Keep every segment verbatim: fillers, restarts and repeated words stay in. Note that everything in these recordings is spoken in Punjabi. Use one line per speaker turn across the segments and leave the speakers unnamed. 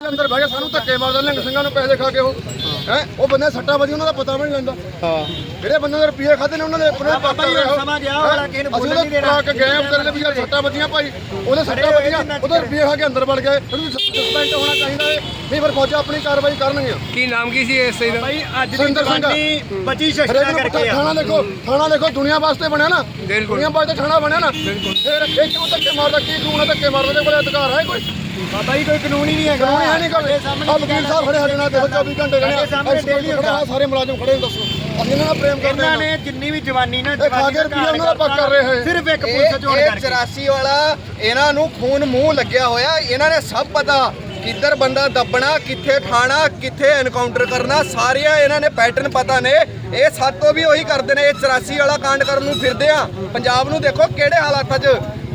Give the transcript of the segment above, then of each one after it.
ਅੰਦਰ ਬਹਿ ਕੇ ਸਾਨੂੰ ਧੱਕੇ ਮਾਰਦੇ ਨਿਹੰਗ ਸਿੰਘਾਂ ਨੂੰ ਪੈਸੇ ਖਾ ਕੇ ਉਹ ਹੈ ਉਹ ਬੰਦੇ ਸੱਟਾਂ ਵੱਜੀ ਉਹਨਾਂ ਦਾ ਪਤਾ ਵੀ ਨਹੀਂ ਲੈਂਦਾ। ਹਾਂ ਜਿਹੜੇ ਬੰਦੇ ਦੇ ਰੁਪਏ ਖਾਦੇ ਨੇ ਉਹਨਾਂ ਦੇ ਆਪਣੇ
ਬਾਬਾ ਜੀ ਸਮਾਂ ਗਿਆ ਵਾਲਾ ਕਿਸੇ ਨੂੰ ਬੋਲਣ ਨਹੀਂ ਦੇਣਾ।
ਅਸੀਂ ਗਏ ਅੰਦਰ ਦੇ ਵੀ ਯਾਰ ਸੱਟਾਂ ਵੱਜੀਆਂ ਭਾਈ ਉਹਦੇ ਸੱਟਾਂ ਵੱਜੀਆਂ ਉਹਦੇ ਰੁਪਏ ਖਾ ਕੇ ਅੰਦਰ ਵੜ ਗਏ ਉਹਨੂੰ ਸਸਪੈਂਡ ਹੋਣਾ ਚਾਹੀਦਾ ਹੈ ਨਹੀਂ ਫਿਰ ਫੌਜਾਂ ਆਪਣੀ ਕਾਰਵਾਈ ਕਰਨਗੀਆਂ।
ਕੀ ਨਾਮ ਕੀ ਸੀ ਇਸ ਦਾ
ਭਾਈ ਅੱਜ ਦੀ ਜਵਾਨੀ ਬਚੀ ਸ਼ਸਤਰਾਂ ਕਰਕੇ ਆ।
ਥਾਣਾ ਦੇਖੋ ਥਾਣਾ ਦੇਖੋ ਦੁਨੀਆ ਵਾਸਤੇ ਬਣਿਆ ਨਾ ਦੁਨੀਆ ਵਾਸਤੇ ਥਾਣਾ ਬਣਿਆ ਨਾ ਫਿਰ ਇਹ ਕਿਉਂ ਧੱਕੇ ਮਾਰਦਾ ਕੀ ਕਾਨੂੰਨ ਧੱਕੇ ਮਾਰਦੇ ਦੇ ਕੋਲ ਅਧਿਕਾਰ ਹੈ ਕੋਈ?
ਬਾਬਾ ਜੀ ਕੋਈ ਕਾਨੂੰਨ ਹੀ ਨਹੀਂ ਹੈਗਾ।
ਕਾਨੂੰਨ ਹੈ ਨਹੀਂ ਕੋਈ ਸਾਹਮਣੇ ਵਕੀਲ ਸਾਹਿਬ ਖੜੇ ਸਾਡੇ ਨਾਲ ਦੇਖੋ ਚੌਵੀ ਘੰਟੇ ਖੜੇ ਸਾਹਮਣੇ ਡੇਲੀ ਖੜਾ ਸਾਰੇ ਮੁਲਾਜ਼ਮ ਖੜੇ ਦੱਸੋ ਅਸੀਂ ਇਹਨਾਂ ਨਾਲ ਪ੍ਰੇਮ ਕਰਦੇ
ਇਹਨਾਂ ਨੇ ਜਿੰਨੀ ਵੀ ਜਵਾਨੀ ਨਾ
ਜਵਾਨੀ ਦਾ ਰੁਪਈਆ ਉਹਨਾਂ ਦਾ ਪੱਕ ਕਰ ਰਹੇ ਹੈ
ਸਿਰਫ ਇੱਕ ਪੁਲਿਸ ਚੋਣ ਕਰਕੇ
ਚੁਰਾਸੀ ਵਾਲਾ ਇਹਨਾਂ ਨੂੰ ਖੂਨ ਮੂੰਹ ਲੱਗਿਆ ਹੋਇਆ। ਇਹਨਾਂ ਨੇ ਸਭ ਪਤਾ ਕਿੱਧਰ ਬੰਦਾ ਦੱਬਣਾ ਕਿੱਥੇ ਠਾਣਾ ਕਿੱਥੇ ਐਨਕਾਊਂਟਰ ਕਰਨਾ ਸਾਰੀਆਂ ਇਹਨਾਂ ਨੇ ਪੈਟਰਨ ਪਤਾ ਨੇ। ਇਹ ਸਾਤੋਂ ਵੀ ਉਹੀ ਕਰਦੇ ਨੇ। ਇਹ ਚੁਰਾਸੀ ਵਾਲਾ ਕਾਂਡ ਕਰਨ ਨੂੰ ਫਿਰਦੇ ਆ। ਪੰਜਾਬ ਨੂੰ ਦੇਖੋ ਕਿਹੜੇ ਹਾਲਾਤਾਂ 'ਚ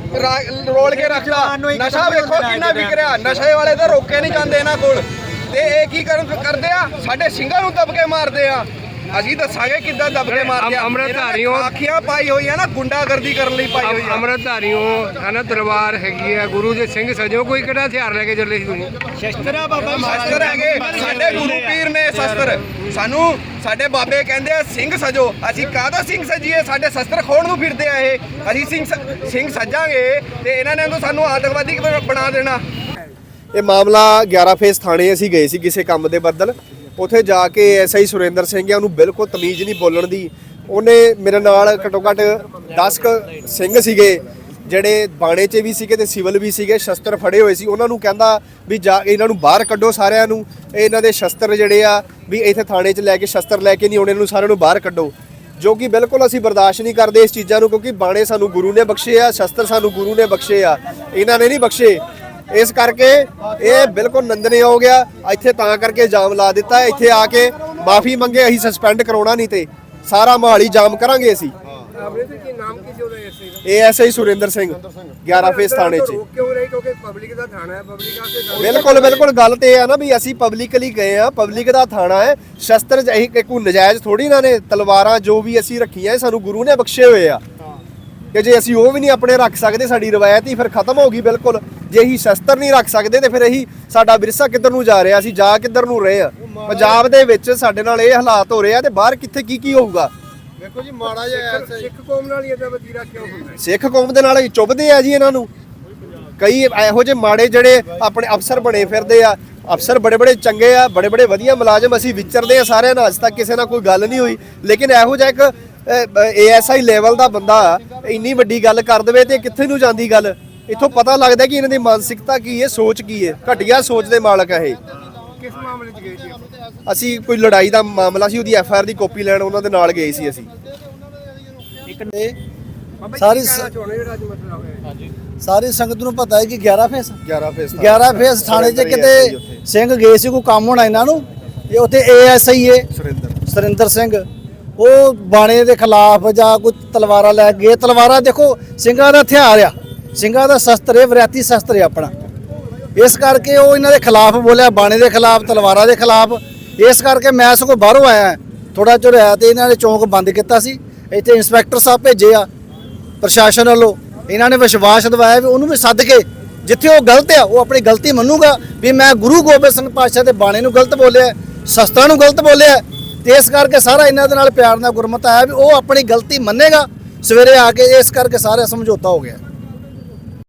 ਰੋਲ ਕੇ ਰੱਖਦਾ। ਨਸ਼ਾ ਵੇਖੋ ਕਿੰਨਾ ਵਿਕ ਰਿਹਾ। ਨਸ਼ੇ ਵਾਲੇ ਤਾਂ ਰੋਕੇ ਨਹੀਂ ਜਾਂਦੇ ਇਹਨਾਂ ਕੋਲ ਤੇ ਇਹ ਕੀ ਕਰਨ ਕਰਦੇ ਆ ਸਾਡੇ ਸਿੰਘਾਂ ਨੂੰ ਦਬ ਕੇ ਮਾਰਦੇ ਆ। ਅਸੀਂ ਦੱਸਾਂਗੇ ਕਿੱਦਾਂ ਦਬ ਕੇ ਮਾਰਦੇ ਆ।
ਅੰਮ੍ਰਿਤਧਾਰੀਓ
ਆਖੀਆਂ ਪਾਈ ਹੋਈਆਂ ਨਾ ਗੁੰਡਾਗਰਦੀ ਕਰਨ ਲਈ ਪਾਈ ਹੋਈ ਆ।
ਅੰਮ੍ਰਿਤਧਾਰੀਓ ਹਨਾ ਤਲਵਾਰ ਹੈਗੀ ਆ ਗੁਰੂ ਦੇ ਸਿੰਘ ਸਜੋ ਕੋਈ ਕਿਹੜਾ ਹਥਿਆਰ ਲੈ ਕੇ ਚੱਲੇ ਸੀ ਤੁਸੀਂ?
ਸ਼ਸਤਰਾ ਬਾਬਾ
ਸ਼ਸਤਰ ਹੈਗੇ ਸਾਡੇ ਗੁਰੂ ਪੀਰ ਨੇ ਸ਼ਸਤਰ। ਸਾਨੂੰ ਸਾਡੇ ਬਾਬੇ ਕਹਿੰਦੇ ਆ ਸਿੰਘ ਸਜੋ। ਅਸੀਂ ਕਾਹਦਾ ਸਿੰਘ ਸਜੀਏ? ਸਾਡੇ ਸ਼ਸਤਰ ਖੋਣ ਨੂੰ ਫਿਰਦੇ ਆ ਇਹ। ਅਸੀਂ ਸਿੰਘ ਸਿੰਘ ਸਜਾਂਗੇ ਤੇ ਇਹਨਾਂ ਨੇ ਸਾਨੂੰ ਆਤੰਕਵਾਦੀ ਬਣਾ ਦੇਣਾ।
ਇਹ ਮਾਮਲਾ ਗਿਆਰਾਂ ਫੇਸ ਥਾਣੇ ਅਸੀਂ ਗਏ ਸੀ ਕਿਸੇ ਕੰਮ ਦੇ ਬਦਲ। ਉੱਥੇ ਜਾ ਕੇ ਐਸਆਈ ਸੁਰਿੰਦਰ ਸਿੰਘ ਆ ਉਹਨੂੰ ਬਿਲਕੁਲ ਤਮੀਜ਼ ਨਹੀਂ ਬੋਲਣ ਦੀ। ਉਹਨੇ ਮੇਰੇ ਨਾਲ ਘੱਟੋ ਘੱਟ ਦਸ ਕੁ ਸਿੰਘ ਸੀਗੇ ਜਿਹੜੇ ਬਾਣੇ 'ਚ ਵੀ ਸੀਗੇ ਤੇ ਸਿਵਲ ਵੀ ਸੀਗੇ ਸ਼ਸਤਰ ਫੜੇ ਹੋਏ ਸੀ। ਉਹਨਾਂ ਨੂੰ ਕਹਿੰਦਾ ਵੀ ਜਾ ਇਹਨਾਂ ਨੂੰ ਬਾਹਰ ਕੱਢੋ ਸਾਰਿਆਂ ਨੂੰ। ਇਹਨਾਂ ਦੇ ਸ਼ਸਤਰ ਜਿਹੜੇ ਆ ਵੀ ਇੱਥੇ ਥਾਣੇ 'ਚ ਲੈ ਕੇ ਸ਼ਸਤਰ ਲੈ ਕੇ ਨਹੀਂ ਆਉਣੇ ਨੂੰ ਸਾਰਿਆਂ ਨੂੰ ਬਾਹਰ ਕੱਢੋ ਜੋ ਕਿ ਬਿਲਕੁਲ ਅਸੀਂ ਬਰਦਾਸ਼ਤ ਨਹੀਂ ਕਰਦੇ ਇਸ ਚੀਜ਼ਾਂ ਨੂੰ ਕਿਉਂਕਿ ਬਾਣੇ ਸਾਨੂੰ ਗੁਰੂ ਨੇ ਬਖਸ਼ੇ ਆ ਸ਼ਸਤਰ ਸਾਨੂੰ ਗੁਰੂ ਨੇ ਬਖਸ਼ੇ ਆ ਇਹਨਾਂ ਨੇ ਨਹੀਂ ਬਖਸ਼ੇ। ਇਸ ਕਰਕੇ ਇਹ ਬਿਲਕੁਲ ਨਿੰਦਣਯੋਗ ਆ। ਇੱਥੇ ਤਾਂ ਕਰਕੇ ਜਾਮ ਲਾ ਦਿੱਤਾ। ਇੱਥੇ ਆ ਕੇ ਮਾਫੀ ਮੰਗੇ ਅਸੀਂ ਸਸਪੈਂਡ ਕਰਾਉਣਾ ਨਹੀਂ ਤੇ ਸਾਰਾ ਮੋਹਾਲੀ ਜਾਮ ਕਰਾਂਗੇ ਅਸੀਂ।
ਕੀ ਨਾਮ ਕੀ ਸੀ ਉਹਦਾ ਐਸਆਈ ਦਾ?
ਇਹ ਐਸਆਈ ਸੁਰਿੰਦਰ ਸਿੰਘ ਗਿਆਰਾਂ ਫੇਸ ਥਾਣੇ 'ਚ।
ਕਿਉਂ ਰਹੀ ਕਿਉਂਕਿ ਪਬਲਿਕ ਦਾ ਥਾਣਾ ਹੈ ਪਬਲਿਕ ਆਸੇ
ਬਿਲਕੁਲ ਬਿਲਕੁਲ ਗੱਲ ਤੇ ਇਹ ਆ ਨਾ ਵੀ ਅਸੀਂ ਪਬਲਿਕਲੀ ਗਏ ਆ ਪਬਲਿਕ ਦਾ ਥਾਣਾ ਹੈ। ਸ਼ਸਤਰ ਅਸੀਂ ਕੋਈ ਨਜਾਇਜ਼ ਥੋੜੀ ਨਾ ਨੇ ਤਲਵਾਰਾਂ ਜੋ ਵੀ ਅਸੀਂ ਰੱਖੀਆਂ ਸਾਨੂੰ ਗੁਰੂ ਨੇ ਬਖਸ਼ੇ ਹੋਏ ਆ ਕਿ ਜੇ ਅਸੀਂ ਉਹ ਵੀ ਨਹੀਂ ਆਪਣੇ ਰੱਖ ਸਕਦੇ ਸਾਡੀ ਰਵਾਇਤ ਹੀ ਫਿਰ ਖਤਮ ਹੋ ਗਈ ਬਿਲਕੁਲ। ਜੇ ਅਸੀਂ ਸ਼ਸਤਰ ਨਹੀਂ ਰੱਖ ਸਕਦੇ ਤੇ ਫਿਰ ਅਸੀਂ ਸਾਡਾ ਵਿਰਸਾ ਕਿੱਧਰ ਨੂੰ ਜਾ ਰਿਹਾ ਅਸੀਂ ਜਾ ਕਿੱਧਰ ਨੂੰ ਰਹੇ ਆ। ਪੰਜਾਬ ਦੇ ਵਿੱਚ ਸਾਡੇ ਨਾਲ ਇਹ ਹਾਲਾਤ ਹੋ ਰਹੇ ਆ ਤੇ ਬਾਹਰ ਕਿੱਥੇ ਕੀ ਕੀ ਹੋਊਗਾ।
ਦੇਖੋ ਜੀ ਮਾੜਾ ਜਿਹਾ
ਸਿੱਖ ਕੌਮ ਨਾਲ ਹੀ ਇਹਦਾ ਵਤੀਰਾ ਕਿਉਂ ਹੁੰਦਾ?
ਸਿੱਖ ਕੌਮ ਦੇ ਨਾਲ ਚੁੱਭਦੇ ਆ ਜੀ ਇਹਨਾਂ ਨੂੰ। ਕਈ ਇਹੋ ਜਿਹੇ ਮਾੜੇ ਜਿਹੜੇ ਆਪਣੇ ਅਫਸਰ ਬਣੇ ਫਿਰਦੇ ਆ। ਅਫਸਰ ਬੜੇ ਬੜੇ ਚੰਗੇ ਆ ਬੜੇ ਬੜੇ ਵਧੀਆ ਮੁਲਾਜ਼ਮ ਅਸੀਂ ਵਿਚਰਦੇ ਆ ਸਾਰਿਆਂ ਨਾਲ ਅੱਜ ਤੱਕ ਕਿਸੇ ਨਾਲ ਕੋਈ ਗੱਲ ਨਹੀਂ ਹੋਈ। ਲੇਕਿਨ ਇਹੋ ਜਿਹਾ ਇੱਕ ਏਐਸਆਈ ਲੈਵਲ ਦਾ ਬੰਦਾ ਇੰਨੀ ਵੱਡੀ ਗੱਲ ਕਰ ਦੇਵੇ ਤੇ ਕਿੱਥੇ ਨੂੰ ਜਾਂਦੀ ਗੱਲ। ਇੱਥੋਂ ਪਤਾ ਲੱਗਦਾ ਕਿ ਇਹਨਾਂ ਦੀ ਮਾਨਸਿਕਤਾ ਕੀ ਹੈ ਸੋਚ ਕੀ ਹੈ। ਘਟੀਆ ਸੋਚ ਦੇ ਮਾਲਕ ਹੈ ਇਹ।
ਕਿਸ ਮਾਮਲੇ 'ਚ ਗਏ ਸੀ?
ਅਸੀਂ ਕੋਈ ਲੜਾਈ ਦਾ ਮਾਮਲਾ ਸੀ ਉਹਦੀ ਐਫ ਆਈ ਆਰ ਦੀ ਕਾਪੀ ਲੈਣ ਉਹਨਾਂ ਦੇ ਨਾਲ ਗਏ ਸੀ ਅਸੀਂ।
ਸਾਰੀ
ਜਿਹੜਾ ਅੱਜ ਮਸਲਾ ਹੋਇਆ
ਸਾਰੀ ਸੰਗਤ ਨੂੰ ਪਤਾ ਹੈ ਕਿ ਗਿਆਰਾਂ ਫੇਸ
ਗਿਆਰਾਂ ਫੇਸ
ਗਿਆਰਾਂ ਫੇਸ ਥਾਣੇ 'ਚ ਕਿਤੇ ਸਿੰਘ ਗਏ ਸੀ ਕੋਈ ਕੰਮ ਹੋਣਾ ਇਹਨਾਂ ਨੂੰ ਇਹ ਉੱਥੇ ਏਐਸਆਈ ਹੈ
ਸੁਰਿੰਦਰ
ਸੁਰਿੰਦਰ ਸਿੰਘ ਉਹ ਬਾਣੇ ਦੇ ਖਿਲਾਫ ਜਾਂ ਕੋਈ ਤਲਵਾਰਾਂ ਲੈ ਗਏ। ਤਲਵਾਰਾਂ ਦੇਖੋ ਸਿੰਘਾਂ ਦਾ ਹਥਿਆਰ ਆ ਸਿੰਘਾਂ ਦਾ ਸ਼ਸਤਰ ਹੈ ਵਿਰਾਤੀ ਸ਼ਸਤਰ ਹੈ ਆਪਣਾ। ਇਸ ਕਰਕੇ ਉਹ ਇਹਨਾਂ ਦੇ ਖਿਲਾਫ ਬੋਲਿਆ ਬਾਣੇ ਦੇ ਖਿਲਾਫ ਤਲਵਾਰਾਂ ਦੇ ਖਿਲਾਫ। ਇਸ ਕਰਕੇ ਮੈਂ ਸਗੋਂ ਬਾਹਰੋਂ ਆਇਆ ਥੋੜਾ ਚਿਰ ਹੋਇਆ ਤੇ ਇਹਨਾਂ ਨੇ ਚੌਂਕ ਬੰਦ ਕੀਤਾ ਸੀ। ਇੱਥੇ ਇੰਸਪੈਕਟਰ ਸਾਹਿਬ ਭੇਜੇ ਆ ਪ੍ਰਸ਼ਾਸਨ ਵੱਲੋਂ। ਇਹਨਾਂ ਨੇ ਵਿਸ਼ਵਾਸ ਦਿਵਾਇਆ ਵੀ ਉਹਨੂੰ ਵੀ ਸੱਦ ਕੇ ਜਿੱਥੇ ਉਹ ਗਲਤ ਆ ਉਹ ਆਪਣੀ ਗਲਤੀ ਮੰਨੂਗਾ ਵੀ ਮੈਂ ਗੁਰੂ ਗੋਬਿੰਦ ਸਿੰਘ ਪਾਤਸ਼ਾਹ ਦੇ ਬਾਣੇ ਨੂੰ ਗਲਤ ਬੋਲਿਆ ਸ਼ਸਤਰਾਂ ਨੂੰ ਗਲਤ ਬੋਲਿਆ। ਤੇ ਇਸ ਕਰਕੇ ਸਾਰਾ ਇਹਨਾਂ ਦੇ ਨਾਲ ਪਿਆਰ ਨਾਲ ਗੁਰਮਤ ਆਇਆ ਵੀ ਉਹ ਆਪਣੀ ਗਲਤੀ ਮੰਨੇਗਾ ਸਵੇਰੇ ਆ ਕੇ। ਇਸ ਕਰਕੇ ਸਾਰਾ ਸਮਝੌਤਾ ਹੋ ਗਿਆ।